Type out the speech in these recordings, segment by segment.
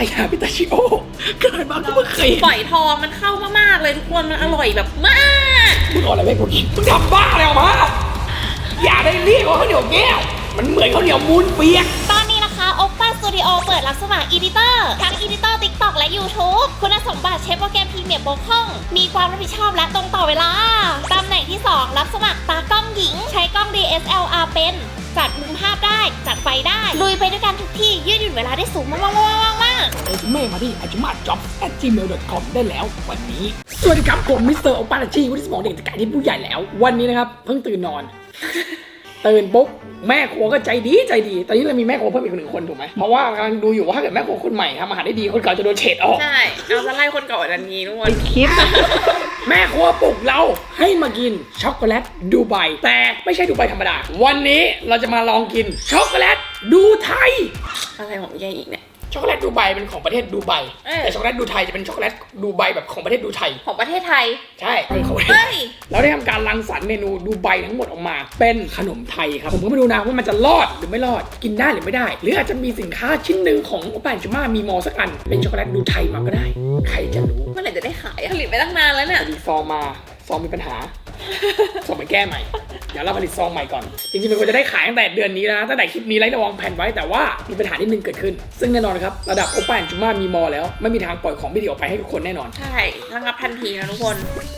ยาพิตาชิโอเกิดมาก็เพิ่งเคยเห็นฝอยทองมันเข้ามากๆเลยทุกคนมันอร่อยแบบมากมึงเอาอะไรไปกูกินมึงทำบ้าอะไรออกมาอย่าได้เรียกว่าข้าวเหนียวแก้วมันเหมือนข้าวเหนียวมูนเปียกตอนนี้นะคะโอปป้าสตูดิโอเปิดรับสมัครอีดิเตอร์ทั้งอีดิเตอร์ TikTok และ YouTube คุณสมบัติเชฟโปรแกรมพรีเมียร์บกพร่องมีความรับผิดชอบและตรงต่อเวลาตำแหน่งที่ 2 รับสมัครตากล้องหญิง ใช้กล้อง DSLR เป็นจัดมุมภาพได้จัดไฟได้ลุยไปด้วยกันทุกที่ยืดหยุ่นเวลาได้สูงมากๆเรซูเม่มาที่ ajumadjobs@gmail.com ได้แล้ววันนี้ สวัสดีครับผมมิสเตอร์โอปาราชีวุฒิสมองเด็กจากการที่ผู้ใหญ่แล้ว วันนี้นะครับเพิ่งตื่นนอน ตื่นปุ๊บแม่ครัวก็ใจดีตอนนี้เรามีแม่ครัวเพิ่มอีก1 คนถูกไหมเพราะว่ากำลังดูอยู่ว่าถ้าเกิดแม่ครัวคนใหม่ทำอาหารได้ดีคนเก่าจะโดนเฉดออกใช่เอาจะไล่คนเก่าอันนี้ทุกคนคลิป แม่ครัวปลุกเราให้มากินช็อกโกแลตดูไบแต่ไม่ใช่ดูไบธรรมดาวันนี้เราจะมาลองกินช็อกโกแลตดูไทยอะไรของยายอีกเนี่ยช็อกโกแลตดูไบเป็นของประเทศดูไบแต่ช็อกโกแลตดูไทยจะเป็นช็อกโกแลตดูไบแบบของประเทศดูไทยของประเทศไทยใช่เป็นของประเทศเฮ้ยเราได้ทำการรังสรรค์เมนูดูไบทั้งหมดออกมา เป็นขนมไทยครับผมก็ไม่รู้นะว่ามันจะรอดหรือไม่รอดกินได้หรือไม่ได้ หรืออาจจะมีสินค้าชิ้นหนึ่งของโอปาจูมามีมอสักอันเป็นช็อกโกแลตดูไทยมาก็ได้ ใครจะรู้เมื่อไหร่จะได้ขายผลิตไปตั้งนานแล้วเนี่ยมีซองมาซองมีปัญหา ส่งไปแก้ใหม่ เดี๋ยวเราผลิตซองใหม่ก่อน จริงๆมันควรจะได้ขายตั้งแต่เดือนนี้นะตั้งแต่คลิปนี้ไล่ระวังแผนไว้แต่ว่ามีปัญหานิดนึงเกิดขึ้น ซึ่งแน่นอนครับระดับโอปาจูมามีมอแล้วไม่มีทางปล่อยของไม่ดีออกไปให้ทุกคนแน่นอนใช่ระงับทันทีนะทุกคน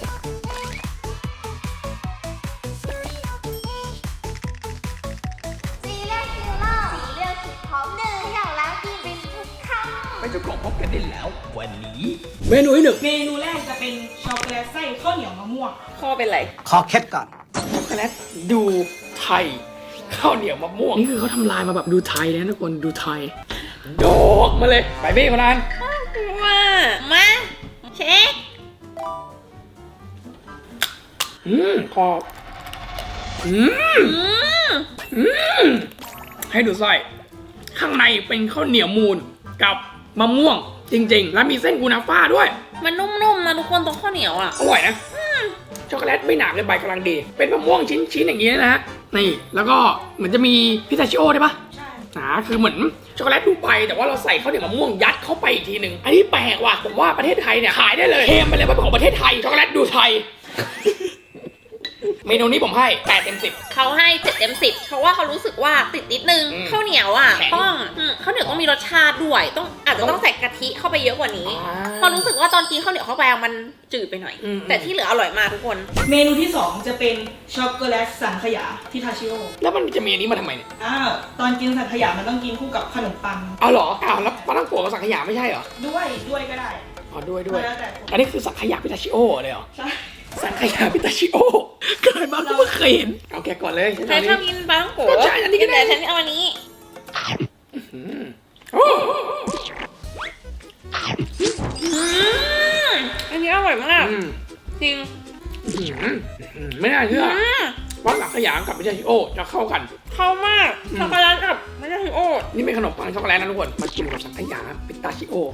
สีเลือกคิวเลอร์สีเลือกคิดพร้อมหนึ่งอย่างแล้วกินเป็นทุกคำไปเจ้าของพบกันได้แล้ววันนี้ เมนูที่ 1 เมนูแรกจะเป็นช็อกโกแลตไส้ข้าวเหนียวมะม่วงข้อเป็นไรขอเคล็ดก่อนช็อกโกแลตดูไทยข้าวเหนียวมะม่วงนี่คือเขาทำลายมาแบบดูไทยเลยนะทุกคนดูไทยโดกมาเลยไปเบ้คนนั้นมาเช็คพอให้ดูไส้ข้างในเป็นข้าวเหนียวมูนกับมะม่วงจริงๆ แล้วมีเส้นกูนาฟ่าด้วยมันนุ่มๆนะทุกคนตรงข้าวเหนียวอ่ะอร่อยนะช็อกโกแลตไม่หนาเกินไปกำลังดี เป็นมะม่วงชิ้นๆอย่างนี้นะฮะนี่แล้วก็เหมือนจะมีพิซซ่าชิโอได้ปะใช่คือเหมือนช็อกโกแลตดูไบแต่ว่าเราใส่ข้าวเหนียวมะม่วงยัดเข้าไปอีกทีหนึ่งอันนี้แปลกว่ะผมว่าประเทศไทยเนี่ยขายได้เลยเทมไปเลยว่าเป็นของประเทศไทยช็อกโกแลตดูไทย เมนูนี้ผมให้8 เต็ม 10 เขาให้7 เต็ม 10เพราะว่าเขารู้สึกว่าติดนิดนึง ข้าวเหนียวอ่ะแข็งต้องข้าวเหนียวต้องมีรสชาติด้วยอาจจะต้องใส่กะทิเข้าไปเยอะกว่านี้เพราะรู้สึกว่าตอนกินข้าวเหนียวเข้าไปมันจืดไปหน่อย แต่ที่เหลืออร่อยมากทุกคนเมนูที่ 2 จะเป็นช็อกโกแลตสังขยาที่ทาชิโอแล้วมันจะมีอันนี้มาทำไมเนี่ยตอนกินสังขยามันต้องกินคู่กับขนมปังเอาเหรอแล้วปลาตั้งโกะกับสังขยาไม่ใช่เหรอด้วยก็ได้อ๋อด้วยแล้วแต่อันนี้คือสังขยาพิตาชิโอเลยเหรอใช่สังขยาพิตาชิโอเกิดมาก็เพิ่งเคยเห็นเอาแกะก่อนเลยใครชอบกินปลาท่องโกะก็ใช่อันนี้ก็ได้แต่ฉันเอาอันนี้โอ้อันนี้อร่อยมากอืมจริงไม่น่าเชื่อว่าสังขยากับพิตาชิโอจะเข้ากันเข้ามากช็อกโกแลตกับไม่ใช่โอ้นี่เป็นขนมปังช็อกโกแลตนะทุกคนมากินกับสังขยาพิตาชิโอ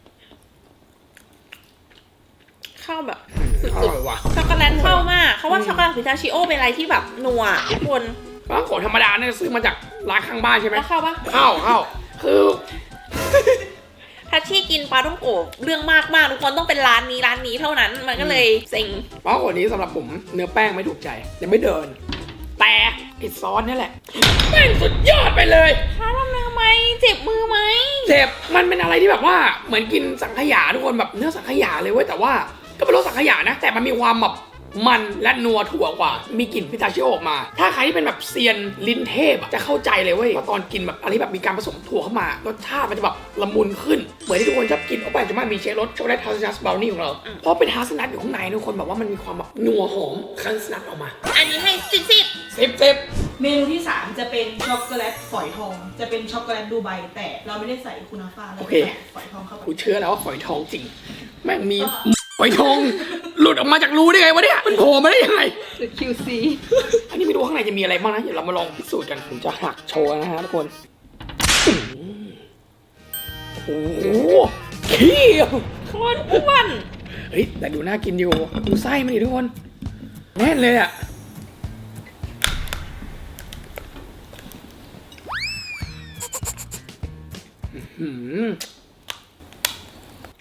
เข้าแบบอร่อยว่ะช็อกโกแลตเข้ามากเขาว่าช็อกโกแลตพิทาชิโอเป็นอะไรที่แบบนัวทุกคนปลาตั้งโกะธรรมดาเนี่ยซื้อมาจากร้านข้างบ้านใช่ไหมแล้วเข้าปะเข้าคือทัชชี่กินปลาท่องโกะเรื่องมากมากทุกคนต้องเป็นร้านนี้เท่านั้นมันก็เลยเซ็งปลาตั้งโกะนี้สำหรับผมเนื้อแป้งไม่ถูกใจยังไม่เดิน แต่ไอซอสนี่แหละแม่งสุดยอดไปเลยถ้าทำทำไมเจ็บมือไหมเจ็บมันเป็นอะไรที่แบบว่าเหมือนกินสังขยาทุกคนแบบเนื้อสังขยาเลยเว้ยแต่ว่าก็เป็นรสสังขยานะ แต่มันมีความแบบมันและนัวถั่วกว่า มีกลิ่นพิตาชิโอออกมา ถ้าใครที่เป็นแบบเซียนลิ้นเทพอะจะเข้าใจเลยเว้ยว่าตอนกินแบบอะไรแบบมีการผสมถั่วเข้ามารสชาติมันจะแบบละมุนขึ้นเหมือนที่ทุกคนชอบกินโอปาจูมามีเชฟรสช็อกโกแลตฮาสนัทบราวนี่ของเราเพราะเป็นฮาสนัทอยู่ข้างในทุกคนแบบว่ามันมีความแบบนัวหอมฮาสนัทออกมาอันนี้ให้10 10 เมนูที่ 3 จะเป็นช็อกโกแลตฝอยทอง จะเป็นช็อกโกแลตดูไบแต่เราไม่ได้ใส่คูนาฟ่าเราใส่ฝอยทองเข้าไปกูเชื่อแล้วว่าฝอยทองจริงแม่งมีฝอยทองหลุดออกมาจากรูได้ไงวะเนี่ยมันโผล่มาได้ยังไง QC อันนี้ไม่รู้ข้างในจะมีอะไรบ้างนะเดี๋ยวเรามาลองพิสูจน์กันผมจะหักโชว์นะฮะทุกคนโอ้โหเขี้ยวโคตรอ้วนเฮ้ยแต่ดูน่ากินอยู่ดูไส้มันดิทุกคนแน่นเลยอ่ะ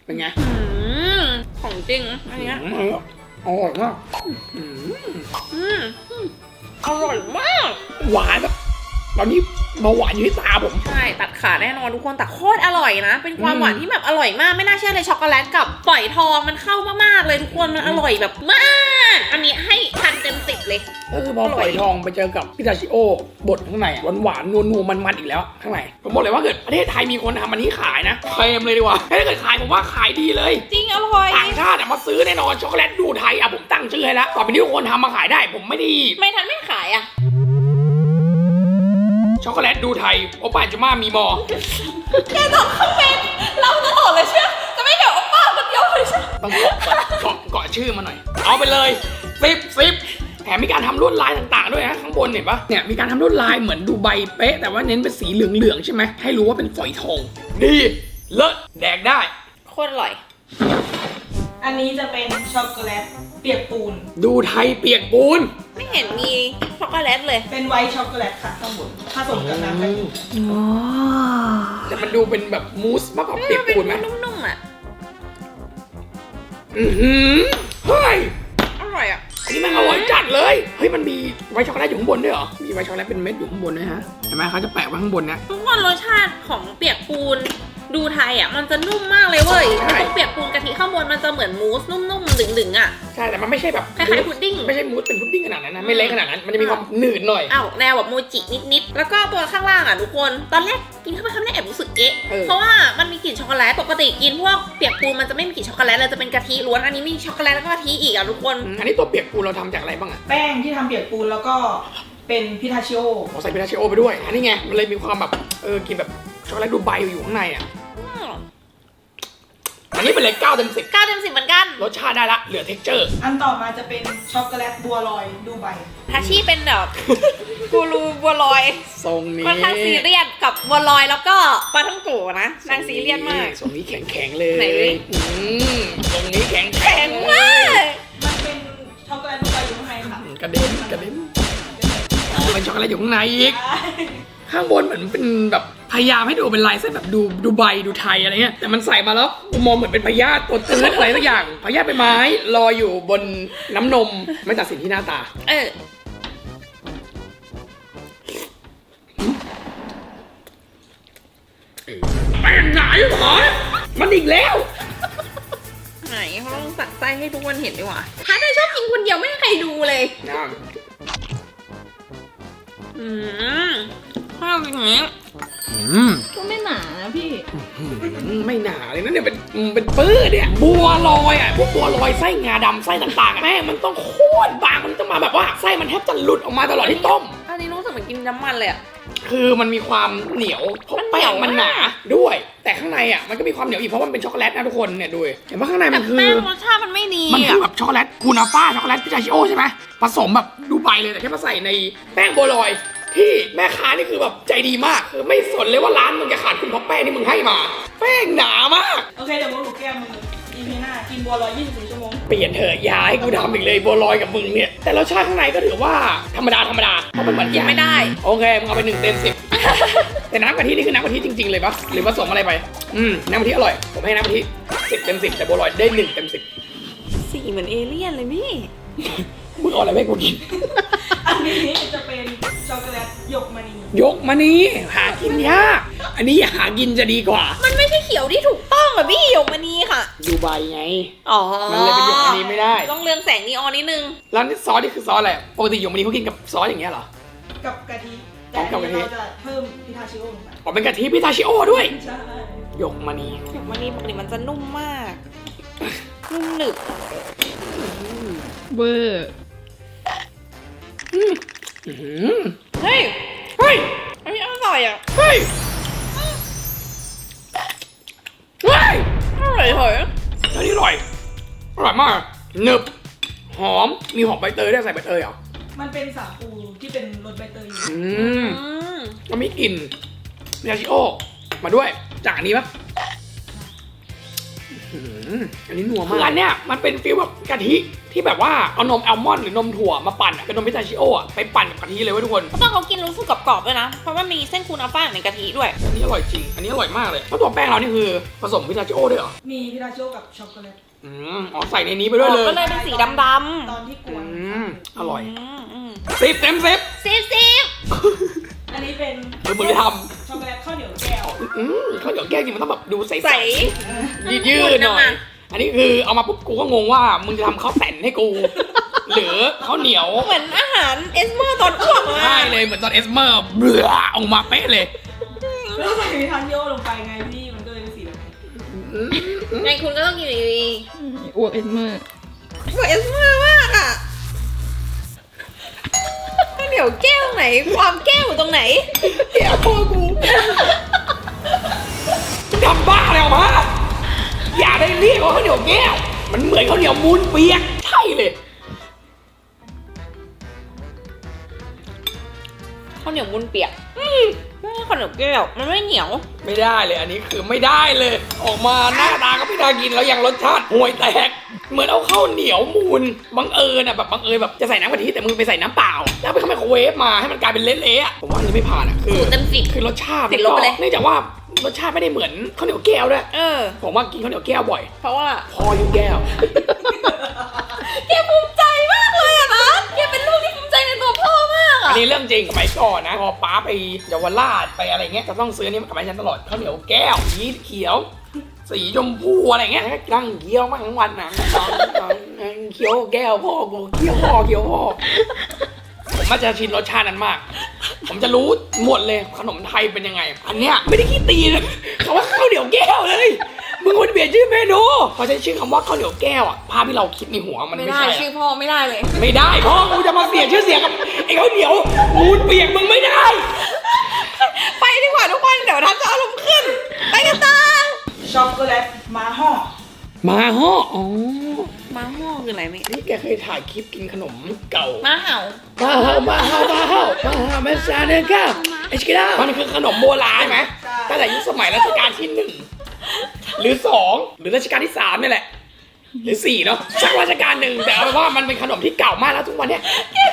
เป็นไงของจริงอันเนี้ยอร่อยมากอร่อยมากหวานแบบตอนนี้เบาหวานอยู่ที่ตาผมใช่ตัดขาแน่นอนทุกคนแต่โคตรอร่อยนะ เป็นความหวานที่แบบอร่อยมากไม่น่าเชื่อเลยช็อกโกแลตกับฝอยทองมันเข้ามากๆเลยทุกคนมันอร่อยแบบมากอันนี้ให้10 เต็ม 10เลยก็คือพอฝอยทองไปเจอกับพิตาชิโอบดข้างในหวานๆนัวๆมันๆอีกแล้วข้างในผมบอกเลยว่าเกิดประเทศไทยมีคนทำอันนี้ขายนะเคลมเลยดีกว่าถ้าเกิดขายผมว่าขายดีเลยจริงอร่อยต่างชาติมาซื้อแน่นอนช็อกโกแลตดูไทยผมตั้งชื่อให้แล้วต่อไปนี้ทุกคนทำมาขายได้ผมไม่ได้ไม่ทันไม่ขายอ่ะช็อกโกแลตดูไทยโอปาจูมามีมอแกต้องคอมเมนต์เราตลอดเลยใช่ไหมจะไม่เกี่ยวกับป้าคนเดียวเลยใช่ไหมต้องเกาะชื่อมาหน่อยเอาไปเลย10แถมมีการทำลวดลายต่างๆด้วยนะข้างบนเห็นปะเนี่ยมีการทำลวดลายเหมือนดูใบเป๊ะแต่ว่าเน้นเป็นสีเหลืองๆใช่ไหมให้รู้ว่าเป็นฝอยทองดีเลิศแดกได้โคตรอร่อยอันนี้จะเป็นช็อกโกแลตเปียกปูนดูไทยเปียกปูนไม่เห็นมีช็อกโกแลตเลยเป็นไวท์ช็อกโกแลตค่ะข้างบนผสมกับน้ำกะทิแต่มันดูเป็นแบบมูสมากกว่าเปียกปูนไหมนุ่มๆอ่ะเฮ้ยอร่อยอ่ะอันนี้มันอร่อยจัดเลยเฮ้ยมันมีไวท์ช็อกโกแลตอยู่ข้างบนด้วยเหรอมีไวท์ช็อกโกแลตเป็นเม็ดอยู่ข้างบนด้วยฮะเห็นไหมเขาจะแปะไว้ข้างบนนะทุกคนรสชาติของเปียกปูนดูไทยอ่ะมันจะนุ่มมากเลยเว้ยใช่ตรงเปียกปูนกะทิข้างบนมันจะเหมือนมูสนุ่มๆดึงๆอ่ะใช่แต่มันไม่ใช่แบบคล้ายๆพุดดิ้งไม่ใช่มูสเป็นพุดดิ้งขนาดนั้นนะไม่เละขนาดนั้นมันจะมีความหนืดหน่อยอ้าวแนวแบบโมจินิดๆแล้วก็ตัวข้างล่างอ่ะทุกคนตอนแรกกินเข้าไปคำแรกแอบรู้สึกเอ๊ะเพราะว่ามันมีกลิ่นช็อกโกแลตปกติกินพวกเปียกปูนมันจะไม่มีกลิ่นช็อกโกแลตเลยจะเป็นกะทิล้วนอันนี้มีช็อกโกแลตแล้วก็กะทิอีกอ่ะทุกคนอันนี้ตัวเปียกปูนเราทำจากอะไรบ้างอะแป้งที่ทำเปียกปูนแล้วก็เป็นพิทาชิโอเราใส่พิทาชิโอไปด้วยอันนี้ไงมันเลยมีความแบบกินแบบช็อกโกแลตดูไบอยู่ข้างในอ่ะอันนี้เป็นเลย9 เต็ม 10 9 เต็ม 10เหมือนกันรสชาติได้ละเหลือเท็กเจอร์อันต่อมาจะเป็นช็อกโกแลตบัวลอยดูไบทาชิเป็นแบบกูรูบัวลอยทรงนี้ค่อนข้างซีเรียสกับบัวลอยแล้วก็ปลาท่องโกะนะนางซีเรียสมากทรงนี้แข็งๆเลยไหนดิทรงนี้แข็งแข็งมากมันเป็นช็อกโกแลตดูไบอยู่ข้างในค่ะกระเด็นเป็นช็อกโกแลตอยู่ข้างในอีก ข้างบนเหมือนเป็นแบบพยายามให้ดูเป็นลายเส้นแบบดูใบดูไทยอะไรเงี้ยแต่มันใส่มาแล้วมองเหมือนเป็นพยาธิตัวตื้นอะไรสักอย่างพยาธิใบไม้ลอยอยู่บนน้ำนมไม่ตัดสินที่หน้าตา แป้งหนาอยู่เหรอมันอีกแล้วไหนเขาต้องสัดไส้ให้ทุกคนเห็นดีกว่าถ้าเธอชอบกินคนเดียวไม่ให้ใครดูเลยถ้าเป็นอย่างนี้ก็ไม่หนานะพี่ไม่หนาเลยนะเนี่ยเป็นปื้อเนี่ยบัวลอยอ่ะพวกบัวลอยไส้งาดำไส้ต่างๆแม่งมันต้องโคตรบางมันต้องมาแบบว่าไส้มันแทบจะหลุดออกมาตลอดที่ต้มอันนี้รู้สึกเหมือนกินน้ำมันเลยอะคือมันมีความเหนียวเพราะแป้งมันหนาด้วย แต่ข้างในอ่ะมันก็มีความเหนียวอีกเพราะมันเป็นช็อกโกแลตนะทุกคนเนี่ยดูเห็นว่าข้างในแต่มันคือแป้งรสชาติมันไม่ดีมันคือะอแบบช็อกโกแลตคูนาฟ่าช็อกโกแลตพิซาชิโอใช่ไหมผสมแบบดูไบเลยแต่แค่มาใส่ในแป้งบัวลอยที่แม่ค้านี่คือแบบใจดีมากคือไม่สนเลยว่าร้านมึงจะขาดทุนเพราะแป้งที่มึงให้มาแป้งหนามากโอเคเดี๋ยวมึงหนูแก้มือ EP หน้ากินบัวลอย24 ชั่วโมงเปลี่ยนเถอะอย่าให้กูทำอีกเลยบัวลอยกับมึงเนี่ยแต่รสชาติข้างในก็ถือว่าธรรมดาเพราะมันเหมือนกินไม่ได้โอเคมึงเอาไป1 เต็ม 10 แต่น้ำกะทินี่คือน้ำกะทิจริงๆเลยปะหรือผสมอะไรไปน้ำกะทิอร่อยผมให้น้ำกะทิ10 เต็ม 10แต่บัวลอยได้1 เต็ม 10 สีเหมือนเอเลี่ยนเลยพี่มึงเอาอะไรให้กูกินอันนี้จะเป็นช็อกโกแลตหยกมณียกมานี่หากินยากอันนี้หากินจะดีกว่ามันไม่ใช่เขียวที่ถูกต้องอะพี่หยกมันนี้ค่ะดูใบไงอ๋อมันเลยเป็นหยกมณีไม่ได้ต้องเรืองแสงนีออนนิดนึงแล้วนี่ซอสนี่คือซอสอะไรปกติหยกมณีเขากินกับซอสอย่างเงี้ยเหรอกับกะทิแต่อันนี้เราจะเพิ่มพิทาชิโอลงไปอ๋อเป็นกะทิพิทาชิโอด้วยใช่หยกมณีหยกมันนี้ปกติมันจะนุ่มมาก นุ่มหนึบเบอร์เฮ้ยเฮ้ยอันนี้อร่อยอะเฮ้ยเฮ้ยอร่อยเหรออันนี้อร่อยมากหนึบหอมมีหอมใบเตยด้วยใส่ใบเตยเหรอมันเป็นสาคูที่เป็นรสใบเตยอยู่มันมีกลิ่นพิทาชิโอมาด้วยจากอันนี้ปะอันนี้นัวมากคืออันเนี้ยมันเป็นฟีลแบบกะทิที่แบบว่าเอานมอัลมอนด์หรือนมถั่วมาปั่นอะเป็นนมพิสตาชิโออะไปปั่นกับกะทิเลยเว้ยทุกคนตอนเขากินรู้สึกกรอบๆด้วยนะ เพราะว่ามีเส้นคูนาฟ่าอยู่ในกะทิด้วยอันนี้อร่อยจริง อันนี้อร่อยมากเลยแล้วตัวแป้งเรานี่คือผสมพิสตาชิโอด้วยเหรอมีพิทาชิโอกับช็อกโกแลตอ๋อใส่ในนี้ไปด้วยเลยก็เลยเป็นสีดำตอนที่กวนอร่อยๆ 10 เต็มอันนี้เป็นมึงจะทช็อกโกแลตข้าวเหนียวแก้วำข้าวเหนียวแก้วจริงมันต้องแบบดูใสใสๆยืดๆหน่อย อันนี้คือเอามาปุ๊บกูก็งงว่ามึงจะทำข้าวแต่นให้กู หรือข้าวเหนียวเหมือนอาหารเอสเมอร์ตอนอ้วกเลยใช่เลยเหมือนตอนเอสเมอร์เบื่อออกมาเป๊ะเลยแล้วใส่พิทาชิโอลงไปไงพี่มันก็เลยเป็นสีแบบนี้ไงคุณก็ต้องกินดีอ้วกเอ็นเมอร์ๆเหมือนเอสเมอร์มากอ่ะข้าวเหนียวแก้วไหน ความแก้วอยู่ตรงไหนเดี๋ยวพ่อกูทำบ้าอะไรออกมาอย่าได้เรียกว่าข้าวเหนียวแก้ว มันเหมือนข้าวเหนียวมูนเปียกใช่เลยข้าวเหนียวมุนเปียกไม่ใช่ข้าวเหนียวแก้ว มันไม่เหนียวไม่ได้เลยอันนี้คือไม่ได้เลย ออกมาหน้าตาก็ไม่น่ากินแล้วยังรสชาติห่วยแตก เหมือนเอาข้าวเหนียวมูนบังเอิญอ่ะแบบบังเอิญแบบจะใส่น้ำกะทิแต่มึงไปใส่น้ำเปล่า แล้วไปเข้าไมโครเวฟมาให้มันกลายเป็นเละๆอ่ะผมว่าอันนี้ไม่ผ่านอ่ะคือสูตรเต็มสิบคือรสชาติติดลบไปเลยเนื่องจากว่ารสชาติไม่ได้เหมือนข้าวเหนียวแก้วด้วย ผมว่ากินข้าวเหนียวแก้วบ่อยเพราะว่าพออยู่แก้วแกภูมิใจมากเลยอะนะแกเป็นลูกที่ภูมิใจในตัวพ่อมากอัอะนนี้เรื่องจริงสมัยก่อนนะพอป้าไปเยาวราชไปอะไรเงี้ยจะต้องซื้ออนนี้มากลับมาให้ฉันตลอดข้าวเหนียวแก้วสีเขียว สีชมพูอะไรเงี้ยนั่งเคี้ยวมากทั้งวันนะเคี้ยวแก้วพ่อกูเคี้ยวพ่อผมมันจะชินรสชาตินั้นมาก ผมจะรู้หมดเลยขนมไทยเป็นยังไง อันเนี้ยไม่ได้ขี้ตีนะเขาว่าข้าวเหนียวแก้วเลยมึงควรเปลี่ยนชื่อเมนูพอใช้ชื่อคำว่าข้าวเหนียวแก้วอ่ะภาพที่เราคิดในหัวมันไม่ไม่ได้ใช่ชื่อพ่อไม่ได้เลยไม่ได้พ่อกูจะมาเสียชื่อเสียงกับไอ้ข้าวเหนียวมูนเปียกมึงไม่ได้ไปดีกว่าทุกคนเดี๋ยวทันจะอารมณ์ขึ้น ไปกันต่อช็อกโกแลตมาห่อมาฮ่ออ๋อมาห่อคืออะไรไม่นี่แกเคยถ่ายคลิปกินขนมเก่ามาเห่ามาซาเนก้าไอ้ชิคกี้พายมันคือขนมโบราณใช่ไหมตั้งแต่ยุคสมัยรัชกาลที่ 1 หรือ 2 หรือรัชกาลที่ 3นี่แหละ หรือ 4 เนาะสักรัชกาลหนึ่งแต่เอาเป็นว่ามันเป็นขนมที่เก่ามากแล้วทุกวันเนี้ย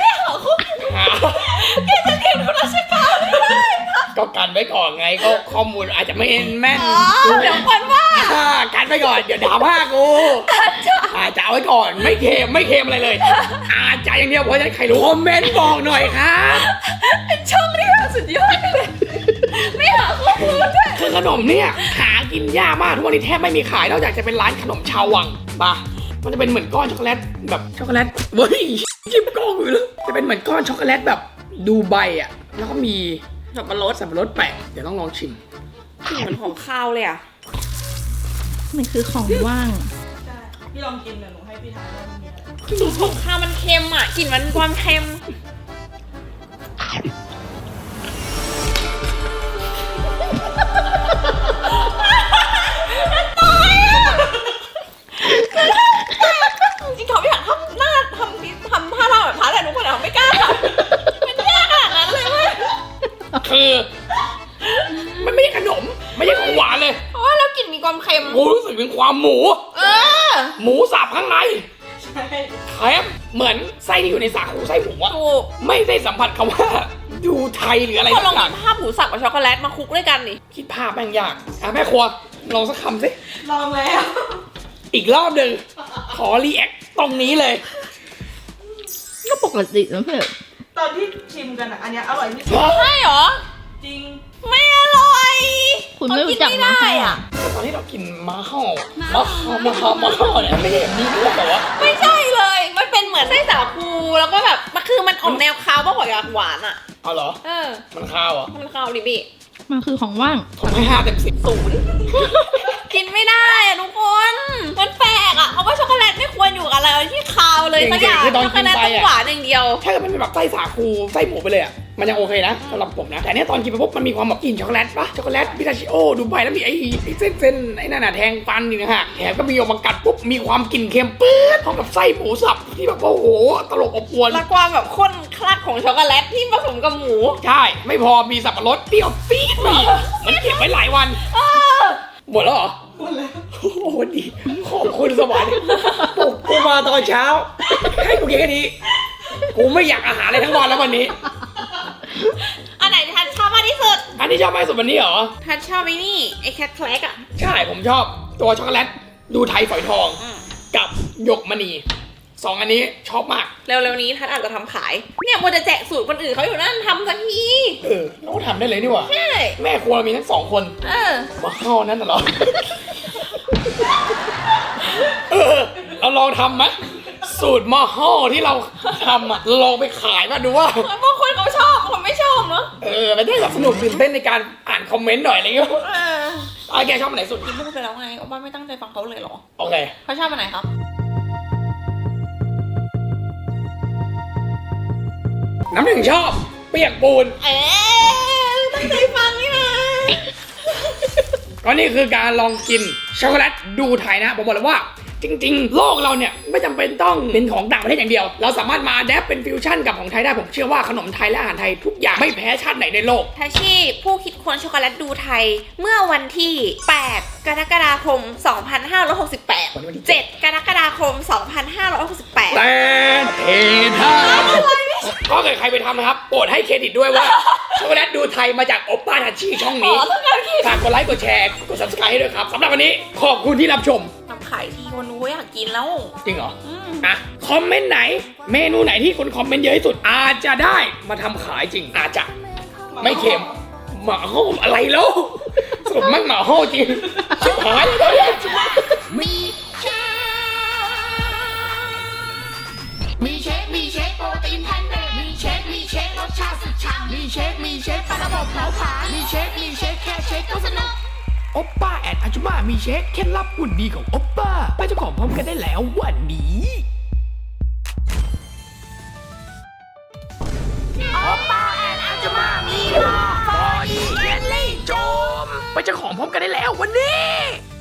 ก็กันไว้ก่อนไงก็ข้อมูลอาจจะไม่แม่นเดี๋ยวคนว่ากันไว้ก่อนเดี๋ยวด่าว่ากูอาจจะเอาไว้ก่อนไม่เค็มอะไรเลย อาจจะอย่างเดียวเพราะฉะนั้นใครรู้คอมเมนต์บอกหน่อยครับเป็นช่องที่สุดยอดเลยไม่หาข้อมูลด้วยคือขนมเนี่ยหากินยากมากทุกวันนี้แทบไม่มีขายนอกจากจะเป็นร้านขนมชาววังป่ะมันจะเป็นเหมือนก้อนช็อกโกแลตแบบช็อกโกแลตเฮ้ยจิ้มกล้องอยู่เลยจะเป็นเหมือนก้อนช็อกโกแลตแบบดูไบอ่ะแล้วก็มีสับปะรดสับปะรดแปะเดี๋ยวต้องลองชิมกลิ่นเหมือนของข้าวเลยอะมันคือของว่างใช่พี่ลองกินเดี๋ยวหนูให้พี่ทานว่ามันมีอะไรกลิ่นของข้าวมันเค็มอะกลิ่นมันความเค็มจริงๆเขาไม่อยากทำหน้าทำท่าทางแบบท้าแต่ทุกคนอะไม่กล้าทำมันแย่ขนาดนั้นเลยเว้ยคือมันไม่ใช่ขนมไม่ใช่ของหวานเลยเพราะว่าแล้วกลิ่นมีความเค็มกูรู้สึกถึงความหมู หมูสับข้างในใช่แครบเหมือนไส้ที่อยู่ในสาคูไส้หมูอะถูกไม่ได้สัมผัสคำว่าดูไทยหรืออะไรพอลสัองกอย่างกินภาพหมูสับกับช็อกโกแลตมาคลุกด้วยกันดิคิดภาพแม่งยากแม่ครัวลองสักคำสิลองแล้วอีกรอบหนึ่งขอรีแอคตรงนี้เลยก็ปกตินะเพื่อนตอนที่ชิมกันอ่ะอันเนี้ยอร่อยที่สุดใช่เหรอจริงไม่อร่อยคุณไม่รู้จักเขานมาไม่ให้ได้อ่ะอะตอนที่เรากินมาห่อเนี่ยไม่ใช่แบบนี้รู้แต่ว่าไม่ใช่เลย มันเป็นเหมือนไส้สาคูแล้วก็แบบมันคือมันออกแนวคาวมากกว่าหวานอ่ะเอาเหรอ มันข้าวอ่ะมันคาวดิพี่มันคือของว่างผมให้5 เต็ม 10 กินไม่ได้อะทุกคน มันแปลกอะเพราะว่าช็อกโกแลตไม่ควรอยู่กับอะไรที่คาวเลยสักอย่างคือตอนช็อกโกกินแลตไปต้องอะหวานอย่างเดียวถ้าเกิดมันเป็นแบบไส้สาคูไส้หมูไปเลยอ่ะมันยังโอเคนะสำหรับผมนะแต่เนี้ยตอนกินไปปุ๊บมันมีความแบบกลิ่นช็อกโกแลตปะช็อกโกแลตพิทาชิโอดูไบแล้วมีไอ้เส้นไอ้นั่นน่ะแทงฟันนี่นะฮะแถมก็มีออกมากัดปุ๊บมีความกลิ่นเค็มปื๊ดพร้อมกับไส้หมูสับที่แบบว่าโอ้โหตลบอบอวนและความแบบข้นคลักของช็อกโกแลตที่ผสมกับหมูใช่ไม่พอมีสับปะรดเปรี้ยวปี๊ดมาอีกมันเก็บไว้หลายวันหมดแล้วเหรอหมดแล้วโอ้โหอ้โหดีขอบคุณสวรรค์ปลุกกูมาตอนเช้าให้กูกินแค่นี้กูไม่อยากอาหารอะไรทั้งวันแล้ววันนี้อันไหนทันชอบมากที่สุดอันนี้ชอบมากสุดวันนี้เหรอทันชอบไอ้นี่ไอ้แคทแคลกอ่ะใช่ผมชอบตัวช็อกโกแลตดูไทยฝอยทองอืมกับหยกมณีสองอันนี้ชอบมากเร็วๆนี้ทันอาจจะทำขายเนี่ยมัวจะแจกสูตรคนอื่นเขาอยู่นั่นทำสักทีเราก็ทำได้เลยนี่หว่าใช่แม่ครัวเรามีทั้งสองคน มาเข้านั่นน่ะเหรอ เราลองทำไหมสูตรหม้อห่อที่เราทำอ่ะลองไปขายมาดูว่าบางคนเขาชอบบางคนไม่ชอบเนาะมันได้แบบสนุกตื่นเต้นในการอ่านคอมเมนต์หน่อยอะไรเงี้ยแกชอบอันไหนสุดกินพูดไปแล้วไงโอป้าไม่ตั้งใจฟังเขาเลยเหรอโอเคเขาชอบอันไหนครับน้ำหนึ่งชอบเปียกปูนตั้งใจฟังนี่นะก็นี่คือการลองกินช็อกโกแลตดูไทยนะผมบอกเลยว่า จริงๆ โลกเราเนี่ยไม่จำเป็นต้องเป็นของต่างประเทศอย่างเดียว เราสามารถมาแดปเป็นฟิวชั่นกับของไทยได้ผมเชื่อว่าขนมไทยและอาหารไทยทุกอย่างไม่แพ้ชาติไหนในโลกทาชิผู้คิดค้นช็อกโกแลตดูไทยเมื่อวันที่ 8 กรกฎาคม 2568 7 กรกฎาคม 2568 แต่เทท่าก็เกิดใครไปทำนะครับโปรดให้เครดิตด้วยว่าช็อกโกแลตดูไทยมาจากโอป้าทัชชี่ช่องนี้ฝากกดไลค์กดแชร์กด subscribe ให้ด้วยครับสำหรับวันนี้ขอบคุณที่รับชมทำขายทีคนรู้อยากกินแล้วจริงเหรออ่ะคอมเมนต์ไหน เมนูไหนที่คนคอมเมนต์เยอะที่สุด อาจจะได้มาทำขายจริง อาจจะไม่เค็มหมาห้อมอะไรแล้วสมมั่งหมาห้อจริงชิบหายเลยเนี่ยมีเชคโปรตีนแพนเดมีเชครสชาติสุดฉ่ำมีเชคปลาระบบเผาผลาญมีเชคแค่เชคก็สนุกโอปป้าแอนอาจุมามีเช็คเคล็ดลับหุ่นดีของโอปป้าไปเจ้าของพร้อมกันได้แล้ววันนี้โอปป้าแอนอาจุมามีบอดี้เจลลี่โจมไปเจ้าของพร้อมกันได้แล้ววันนี้